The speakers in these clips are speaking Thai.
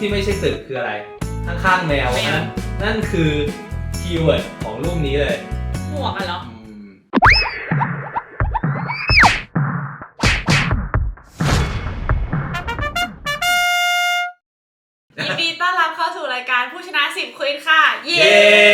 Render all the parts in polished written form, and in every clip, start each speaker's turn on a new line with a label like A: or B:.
A: ที่ไม่ใช่ตึกคืออะไรข้างๆแมวนั่นคือคีย์เวิร์ดของรูปนี้เลย
B: หมวกกันเหรอยินดีต้อนรับเข้าสู่รายการผู้ชนะ10ควิซค่ะเย้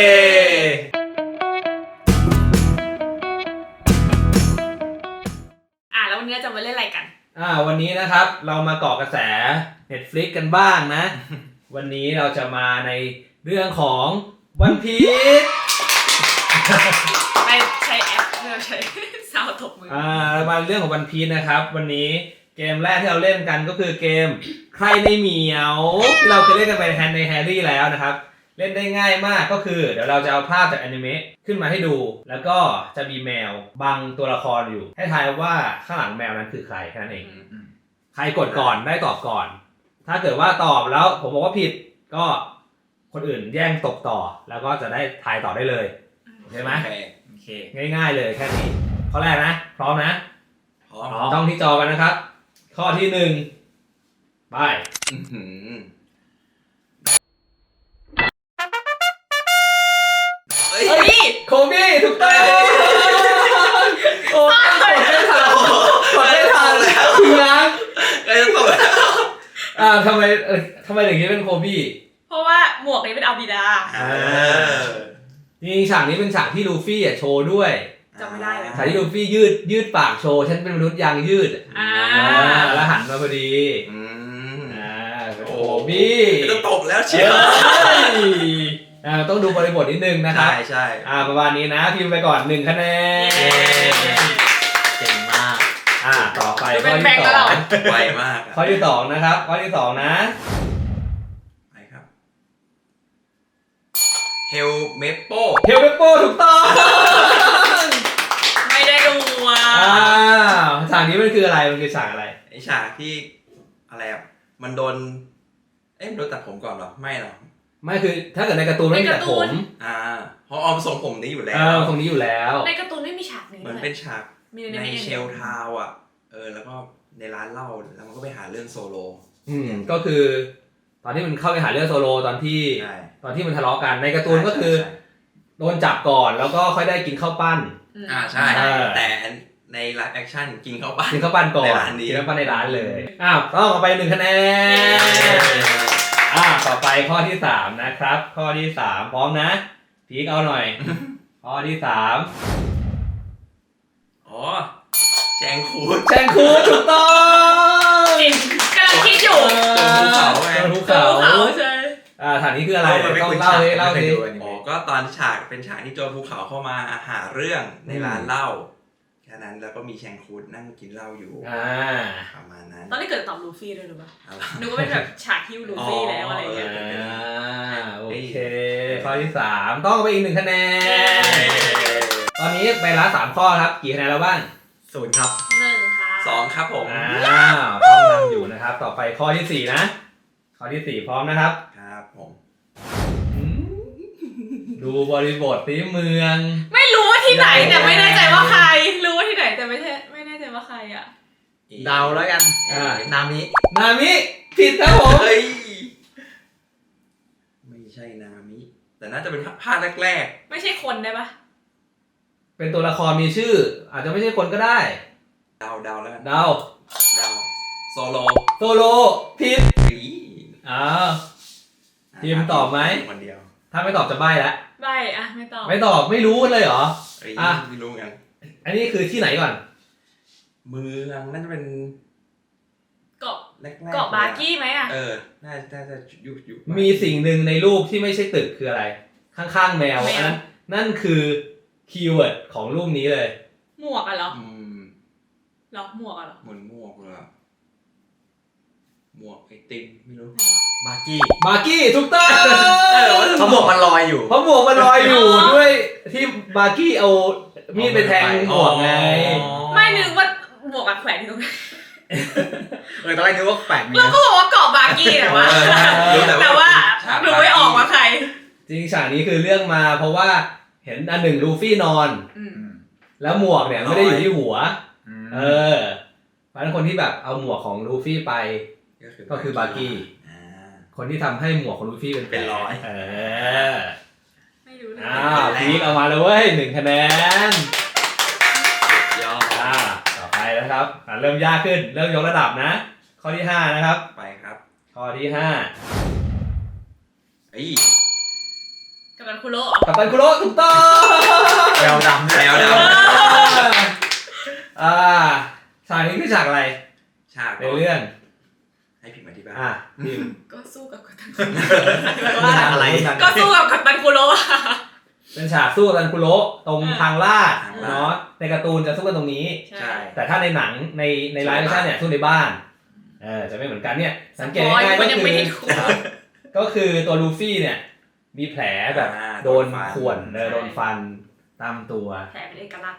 B: แล้ววันนี้จะมาเล่นอะไรกัน
A: วันนี้นะครับเรามาเกาะกระแส Netflix กันบ้างนะ วันนี้เราจะมาในเรื่องของ One Piece
B: ไปใช้แอปเพื่อใช้ซาวตบมือ
A: เรามาเรื่องของ One Piece นะครับวันนี้เกมแรกที่เราเล่นกันก็คือเกมใครในเหมียวที่เราเคยเล่นกันไปในแฮร์รี่แล้วนะครับเล่นได้ง่ายมากก็คือเดี๋ยวเราจะเอาภาพจากอนิเมะขึ้นมาให้ดูแล้วก็จะมีแมวบังตัวละครอยู่ให้ทายว่าข้างหลังแมวนั้นคือใครแค่นั้นเองใครกดก่อนได้ตอบก่อนถ้าเกิดว่าตอบแล้วผมบอกว่าผิดก็คนอื่นแย่งตกต่อแล้วก็จะได้ทายต่อได้เลยโอเคไหมโอเคง่ายๆเลยแค่นี้ข้อแรกนะพร้อมนะพร้อมต้องที่จอกันนะครับข้อที่1ไปโคบี้ถูกต้องโอ้ยกดไม่ทันแล้วคืองั้น
C: ไอ้จะตก
A: ทำไมถึงคิดเป็นโคบี้
B: เพราะว่าหมวกนี้เป็นอัลบิดา
A: จริงๆฉากนี้เป็นฉากที่ลูฟี่โชว์ด้วย
B: จำไม่ได้เลย
A: ฉากที่ลูฟี่ยืดปากโชว์ฉันเป็นมนุษย์ยางยืดแล้วหันมาพอดีโคบี้
C: จะตกแล้วเชียว
A: ต้องดูบริบทนิดนึงนะครับ
C: ใช่
A: ประมาณนี้นะพิมพ์ไปก่อน1คะแนนเก่งมากต่อไปข้อที่2
C: ไวมาก
A: ข้อที่2นะครับข้อที่2นะ
C: ไปครับเฮลเมโป
A: ถูกต้อง
B: ไม่ได้ดู
A: ฉากนี้มันคืออะไรมันคือฉากอะไร
C: ไอฉากที่อะไรมันโดนมันโดนตัดผมก่อนหรอไม่หรอ
A: ไม่คือถ้าเกิดในการ์ตูนไม่มีตัดผม
C: เพราะออมทรงผมนี้อยู่แล้ว
A: ทรงนี้อยู่แล้ว
B: ในการ์ตูนไม่มีฉากนี้
C: เหมือนเป็นฉากในเชลทาวแล้วก็ในร้านเหล้าแล้วมันก็ไปหาเรื่องโซโล
A: ก็คือตอนที่มันเข้าไปหาเรื่องโซโลตอนที่มันทะเลาะกันในการ์ตูนก็คือโดนจับก่อนแล้วก็ค่อยได้กินข้าวปั้น
C: ใช่แต่ในไลฟ์แอคชั่นกินข้าวปั้น
A: ก่อนกินข้าวปั้นในร้านเลยต้องเอาไป1คะแนนต่อไปข้อที่3นะครับข้อที่3พร้อมนะพีคเอาหน่อยข้อที่3
C: แชงคูด
A: ถูกต้อง
B: กำลังคิดอยู่
A: ภูเขาใช่ฉากนี้คืออะไรต้องเล่าดิ
C: ก็ตอนฉากเป็นฉากที่โจรภูเขาเข้ามาหาเรื่องในร้านเหล้าแค่นั้นแล้วก็มีแชงคูดนั่งกินเหล้าอยู่ประมาณนั้น
B: ตอนนี้เกิดตอบลูฟี่เลยหรือเปล่านึกว่าเป็นแบบฉากฮิวลูฟี่แล้วอะไรอย่างเงี้ย
A: โอเคข้อที่3ต้องไปอีก1คะแนนตอนนี้ไปละ3ข้อครับกี่คะแนนแล้วบ้าง
C: 0ครับ
B: 1ค่ะ
C: 2ครับผม
A: ต้องนำอยู่นะครับต่อไปข้อที่4นะข้อที่4พร้อมนะครับ
C: ครับผม
A: ดูบริบทที่เมือง
B: ไม่รู้ว่าที่ไหนแต่ไม่แน่ใจว่าใครรู้ว่าที่ไหนแต่ไม่แน่ใจว่าใคร
D: เดาแล้วกันนามิ
A: ผิดครับผม
C: ไม่ใช่นามิแต่น่าจะเป็นภาคแรก
B: ๆไม่ใช่คนได้ปะ
A: เป็นตัวละครมีชื่ออาจจะไม่ใช่คนก็ได้
C: เดาแล้วกัน
A: เดา
C: โซโล
A: ผิดทีมตอบไหม
C: คนเดียว
A: ถ้าไม่ตอบจะใบ้แล้ว
B: ใบ้ไม่ตอบ
A: ไม่รู้เลยเหรอ
C: ไม่รู้กัน
A: อันนี้คือที่ไหนก่อน
C: เมืองน่าจะเป็น
B: เกาะบาร์กี้ไหม
C: น่าจะอยู่
A: มีสิ่งหนึ่งในรูปที่ไม่ใช่ตึกคืออะไรข้างๆแมวนั่นคือคีย์เวิร์ดของรูปนี้เลย
B: หมวกเหรอหมวกเหรอ
C: เหมือนหมวกเลยหมวกไอติมไม่รู้
D: บาร์กี้
A: ถูกต้อง
D: เพราะหมวกมันลอยอยู่
A: ด้วยที่บาร์กี้เอามีดไปแทงหมวกไง
B: ไม่นึกว่าหมวกแขวนที่ตรงนั้น
D: ตอนแรกนึกว่าแขวน
B: แล้วก็บอกว่าเกาะบาร์กี้แต่ว่าดูไม่ออกว่าใคร
A: จริงฉากนี้คือเรื่องมาเพราะว่าเห็นอันหนึ่งลูฟี่นอนแล้วหมวกเนี่ยไม่ได้อยู่ที่หัวเพราะฉะนั้นคนที่แบบเอาหมวกของลูฟี่ไปก็คือบาร์กี้คนที่ทำให้หมวกของลูฟี่เป็นแผล
C: เป็นรอย
B: ไม่รู้เลย
A: พีคเอามาเลยเว้ย1 คะแนน
C: ยอด
A: ต่อไปนะครับเริ่มยากขึ้นเริ่มยกระดับนะ ข้อที่5นะครับ
C: ไปครับ
A: ข้อที่5
B: กัปตันคุโร่
A: กัปตันคุโร่ถูกต้อง
D: แววดำ
C: แนว
A: ฉากนี้คือฉากอะไร
C: ฉาก
A: ในเรื่อง
C: ให้พิมพ์อธิบาย
A: พิมพ์
B: ก็สู้กับกัปตันคุโร่
D: ฉากอะไร
B: ก็สู้กับกัปตันคุโร่อะ
A: เป็นฉากสู้กับกัปตันคุโร่ตรงทางลาด
C: ทางลาด
A: เนาะในการ์ตูนจะสู้กันตรงนี้
C: ใช่
A: แต่ถ้าในหนังในไลฟ์เวอร์ชันเนี่ยสู้ในบ้านจะไม่เหมือนกันเนี่ยสังเกตง่ายๆ
B: มันยังไม่ได้ถูก
A: ก็คือตัวลูฟี่เนี่ยมีแผลแบบโดนข่วนโดนฟันตามตัว
B: แผลเป็นเอกลักษณ์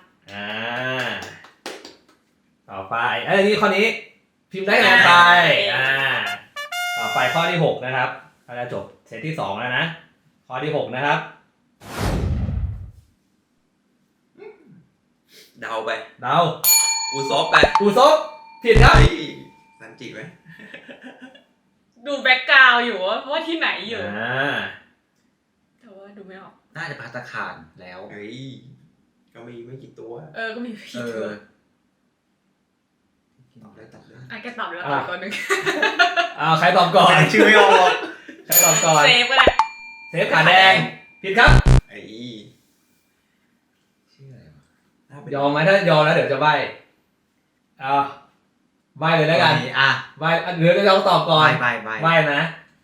A: ต่อไปนี่ข้อนี้พิมพ์ได้คะแนนไปต่อไปข้อที่6นะครับเราจะจบเซตที่2แล้วนะข้อที่6นะครับ
C: เดาไป
A: เดา
C: อุซบไป
A: อูซบผิดครับ
C: สันจิไหม
B: ดูแบ็กกราวด์อยู่ว่าที่ไหนอยู่แต่ว่าดูไม่ออก
D: น่าจะภัตตาคารแล้ว
C: เฮ้ยก็มีไม่กี่ตัว
B: ก็มีพี่
D: เอ
B: ตัว
D: อ
C: ตอบได้ตอบได้
B: แกตอบแล้วตอบตัวหนึ่ง
A: ใครตอบก่อน
D: ชื่อไม่ออก
A: ใครตอบก่อน
B: เซฟก็ได้
A: เซฟขาแดงผิดครับ
C: ไอ้
D: ชื่ออะไรวะ
A: ยอมไหมถ้ายอมแล้วเดี๋ยวจะใบ้ใบ้เลยแล้วกัน ใบ้หรือจะตอบก่อน
D: ใบ
A: ใบ้นะ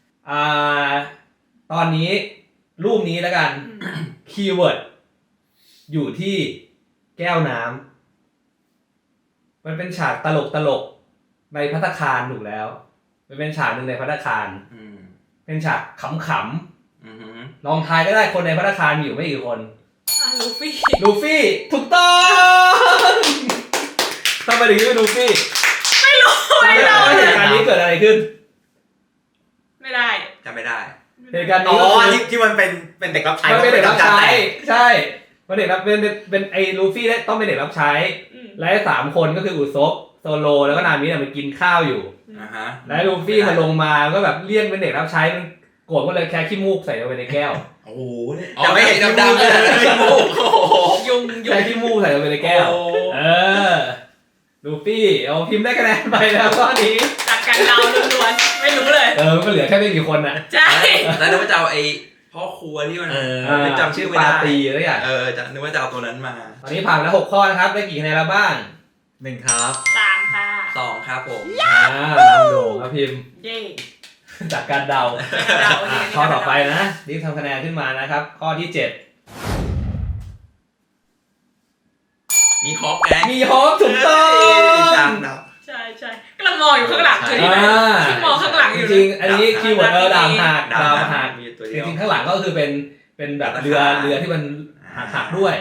A: ตอนนี้รูปนี้แล้วกัน คีย์เวิร์ดอยู่ที่แก้วน้ำมันเป็นฉากตลกในภัตตาคารถูกแล้วมันเป็นฉากหนึ่งในภัตตาคารเป็นฉากขำๆลองทายก็ได้คนในภัตตาคารมีอยู่ไม่กี่คน
B: ลูฟี่
A: ลูฟี่ถูกต้องทำไมถึงเป็นลูฟี่
B: ไม่รู้
A: เหตุการณ์นี้เกิดอะไรขึ้น
B: ไม่ได้
C: จำไม่ได้
A: เหตุการณ์
D: อ๋
A: นี้
D: อที่มันเป็นเด็กรับใช้
A: มันเป็นเด็กรับใช้
D: แต่
A: ใช่มันเด็กรับเป็นไอ้ลูฟี่ต้องเป็นเด็กรับใช้ และ3 คนก็คืออุซบโซโลแล้วก็นามิเนี่ยมันกินข้าวอยู่ และลูฟี่มันลงมาก็แบบเรียกเป็นเด็กรับใช้มันโกรธก็เลยแค่ขี้มูกใส่ลงไปในแก้ว
C: โอ้โหจะไม่เห็นดำๆเลยขี้มูก
B: ยุง
A: แค่ขี้มูกใส่ลงไปในแก้วลูฟี่เอาพิมพ์ได้คะแนนไปแล้วข้อนี้
B: จากการเดาล้วนๆไม่รู้เลย
A: มันเหลือแค่ไม่กี่คนน่ะ
B: ใช่
C: แล้วนึกว่าจะเอาไอ้พ่อครัวที่มันไม่จำชื่อไม่ได้
A: ปาตีอะไรอย่าง
C: จะนึกว่าจะเอาตัวนั้นมา
A: ตอนนี้ผ่านแล้ว6 ข้อนะครับได้กี่คะแนนแล้วบ้าง
D: 1 ครับ
B: 3 ค่ะ
C: 2 ครับผม
A: นำโด่งครับพิมพ์
B: เย่
A: จากการเดา
B: เดา
A: ข้อต่อไปนะรีบทำคะแนนขึ้นมานะครับ ข้อที่ 7
C: มีฮอกไง
A: มีโฮปถูกต้อง
C: ฉากดับ
B: ใช่กำลังมองอยู่ข้างหลังจุดนี้ที่มองข้างหลังอยู่
A: จริงๆอันนี้คีย์เวิร์ดดาวหัก
C: ดา
A: ดาว
C: ว
A: หัก
C: มีตัว
A: จ
C: เดียว
A: ริงๆข้างหลังก็คือเป็นแบบเรือที่มันหักด้วย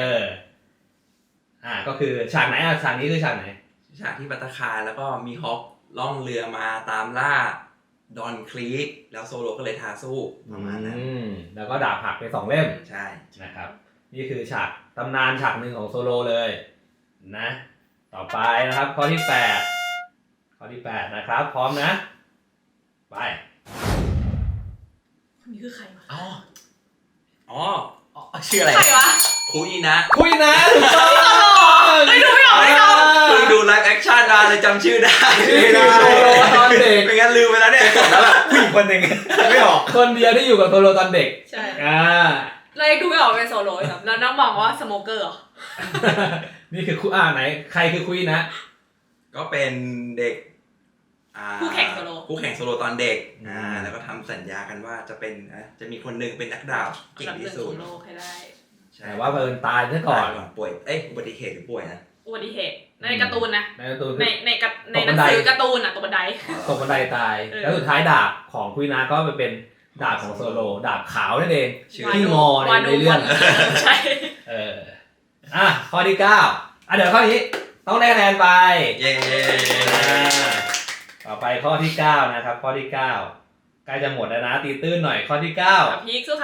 A: ก็คือฉากไหนฉากนี้คือฉากไหน
C: ฉากที่ภัตตาคารแล้วก็มีฮอกล่องเรือมาตามล่าดอนคลีกแล้วโซโลก็เลยทาสู้ประมาณนั้น
A: แล้วก็ดาบหักไป2 เล่ม
C: ใช่
A: นะครับนี่คือฉากตำนานฉากหนึ่งของโซโลเลยนะต่อไปนะครับข้อที่ 8นะครับ พร้อมนะไป
B: คนนี้คือใครวะ
C: อ๋อ
D: ชื่ออะไร
B: ใครวะ
C: คุยนะ
A: คุยนะถูกต้อง
B: ไม่รู้ไม่ออกไม่ออก
C: เพิ่งดูไลฟ์แอคชั่นมาเลยจำชื่อได้
A: นี่คือโซโลตอนเด็ก
C: ไม่งั้นลืมไปแล้วเนี่ยแล้วแบบ
D: ผู้หญิงคนหนึ่งไม่ออก
A: คนเดียวที่อยู่กับโซโลตอนเด็ก
B: ใช่
A: เรา
B: ยังดูไม่ออกเป็นโซโล่ครับแล้วน้องมองว่าสโมเกอร์เหรอ
A: นี่คือไหนใครคือคุยนะ
C: ก็เป็นเด็ก
B: คู่แข่งโซโล
C: คู่แข่งโซโลตอนเด็กแล้วก็ทำสัญญากันว่าจะมีคนหนึ่งเป็นนักดาบเก่ง
B: อันดับ
C: ที่สุด
B: 1ของโลกให้ได้
A: แต่ว่าเพิ่นตายซะก่อน
C: ป่วยอุบัติเหตุหรือป่วยนะ
B: อุบัติเหตุในการ์ตูนนะ
A: ในการ์ตูน
B: ในหนังสือการ์ตูนตกบันได
A: ตกบันไดตาย แล้วสุดท้ายดาบของคุยนะก็ไปเป็นดาบของโซโลดาบขาวนั่นเอง ที่งอในเรื่อง
B: ใช่
A: ข้อที่ 9เดี๋ยวข้อนี้ต้องได้คะแนนไป
C: เย้
A: ต่อไปข้อที่ 9นะครับข้อที่ 9ใกล้จะหมดแล้วนะตีตื้นหน่อยข้อที่ 9
B: พีคสู้เขา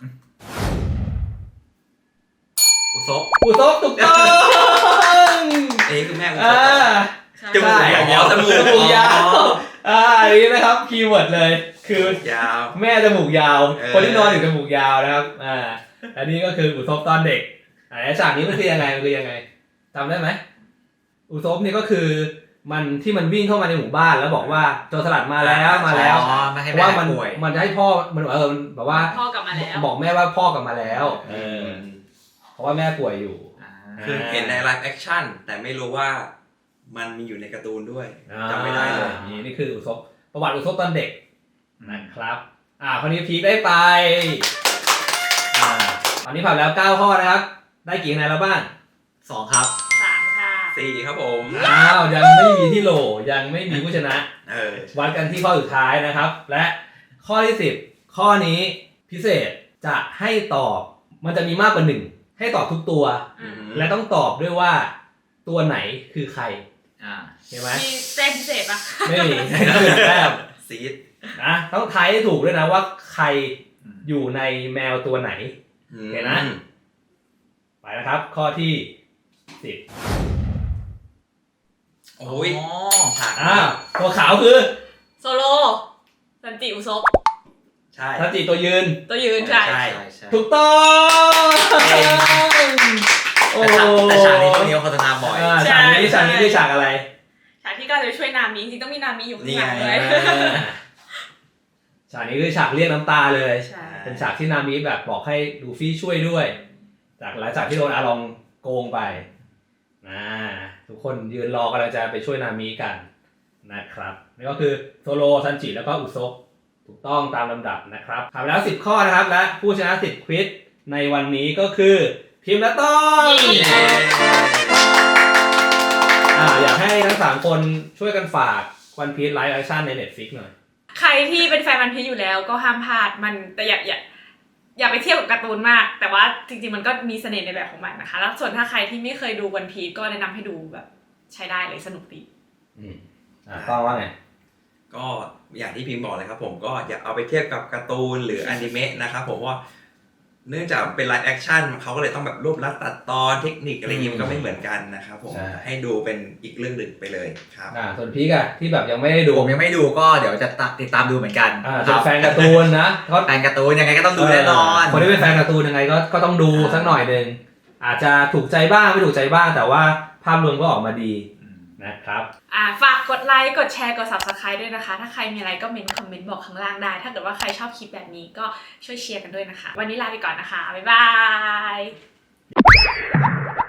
C: อุซบ
A: อุซบถูกต้อง
C: คือแม่อุซ
A: อ่า
C: บจมูกยาวจมูก
A: ยาวอันนี้นะครับคีย์เวิร์ดเลยคือย
C: าว
A: แม่จมูกยาว
C: เออ
A: คนที่นอนอยู่จมูกยาวนะครับอันนี้ก็คืออุศบตอนเด็กฉากนี้มันคือยังไงจำได้ไหมอุศบนี่ก็คือมันที่มันวิ่งเข้ามาในหมู่บ้านแล้วบอกว่าโจรสลัดมาแล้ว
D: อ๋อไม่ให้
A: เพ
D: แม่
A: ราะว่ามัน
D: ป่วย
A: มันจะให้พ่อมันแบบว่า
B: พ่อกลับมาแล้ว
A: บอกแม่ว่าพ่อกลับมาแล้วเพราะว่าแม่ป่วยอยู่
C: คือเห็นในไลฟ์แอคชั่นแต่ไม่รู้ว่ามันมีอยู่ในการ์ตูนด้วยจำไม่ได้เลย
A: นี่คืออุศบประวัติอุศบตอนเด็กนะครับคราวนี้พีคได้ไปตอนนี้ผ่านแล้ว9ข้อนะครับได้กี่คะแนนแล้วบ้าง
D: 2 ครับ
B: 3 ค่ะ
C: 4 ครับผม
A: ยังไม่มีที่โหลยังไม่มีผู้ชนะ วัดกันที่ข้อสุดท้ายนะครับ และข้อที่10ข้อนี้พิเศษจะให้ตอบมันจะมีมากกว่า1ให้ตอบทุกตัว และต้องตอบด้วยว่าตัวไหนคือใครเห็นไหม
B: มีแต้มพิเศษปะ
A: ไม่มีให้ต้องเป็นแต้ม
C: ซีด
A: นะต้องทายให้ถูกด้วยนะว่าใครอยู่ในแมวตัวไหน เห็นนะ ไปนะครับ ข้อที่10
C: โอ้ยฉาก
A: ตัวขาวคือ
B: โซโลสันจิอุซบ
C: ใช่
A: ทัจิตัวยืน
B: ตัวยืนใช่
C: ใช่
A: ถูกต้องโอ้
D: แต่ฉากนี้ช่วงนี้โฆษณาบ่อย
A: ฉากนี้คือฉากอะไร
B: ฉากที่ก้าวจะช่วยนามิจริงๆต้องมีนามิอยู่ข้างหลัง
C: นี่
B: เล
C: ไง
B: ย
A: ฉากนี้คือฉากเรียกน้ำตาเลย
B: ใช่
A: เป็นฉากที่นามิแบบบอกให้ลูฟี่ช่วยด้วย จากหลังจากที่โดนอาลองโกงไปทุกคนยืนรอกำลังจะไปช่วยนามิกันนะครับนี่ก็คือโซโลซันจิแล้วก็อุซบถูกต้องตามลำดับนะครับผ่านไปแล้ว10ข้อนะครับและผู้ชนะ10ควิซในวันนี้ก็คือพิมพ์และต้อง อยากให้ทั้ง3คนช่วยกันฝาก One Piece Live Action ใน Netflix หน่อย
B: ใครที่เป็นแฟนวันพีชอยู่แล้วก็ห้ามพลาดมันแต่อย่าไปเทียบกับการ์ตูนมาก แต่ว่าจริงๆมันก็มีเสน่ห์ในแบบของมันนะคะแล้วส่วนถ้าใครที่ไม่เคยดูวันพีชก็แนะนำให้ดูแบบใช้ได้เลยสนุกดี
A: ต้องว่าไง
C: ก็อย่างที่พิมพ์บอกเลยครับผมก็อย่าเอาไปเทียบกับการ์ตูนหรืออนิเมะนะครับผมว่าเนื่องจากเป็นไลฟ์แอคชั่นเขาก็เลยต้องแบบรวบรัดตัดตอนเทคนิคอะไรอย่างงี้มันก็ไม่เหมือนกันนะครับผมให้ดูเป็นอีกเรื่องหนึ่งไปเลยครับ
A: ส่วนพีกอะที่แบบยังไม่ได้ดู
D: ผมยังไม่ดูก็เดี๋ยวจะติดตามดูเหมือนกัน
A: เป็นแฟนการ์ตูนนะเขา
D: แฟนการ์ตูนยังไงก็ต้องดูแน่นอน
A: คนที่เป็นแฟนการ์ตูนยังไงก็ต้องดูสักหน่อยนึงอาจจะถูกใจบ้างไม่ถูกใจบ้างแต่ว่าภาพรวมก็ออกมาดีนะครับ
B: ฝากกดไลค์กดแชร์กด Subscribe ด้วยนะคะถ้าใครมีอะไรก็คอมเมนต์บอกข้างล่างได้ถ้าเกิดว่าใครชอบคลิปแบบนี้ก็ช่วยเชียร์กันด้วยนะคะวันนี้ลาไปก่อนนะคะบ๊ายบาย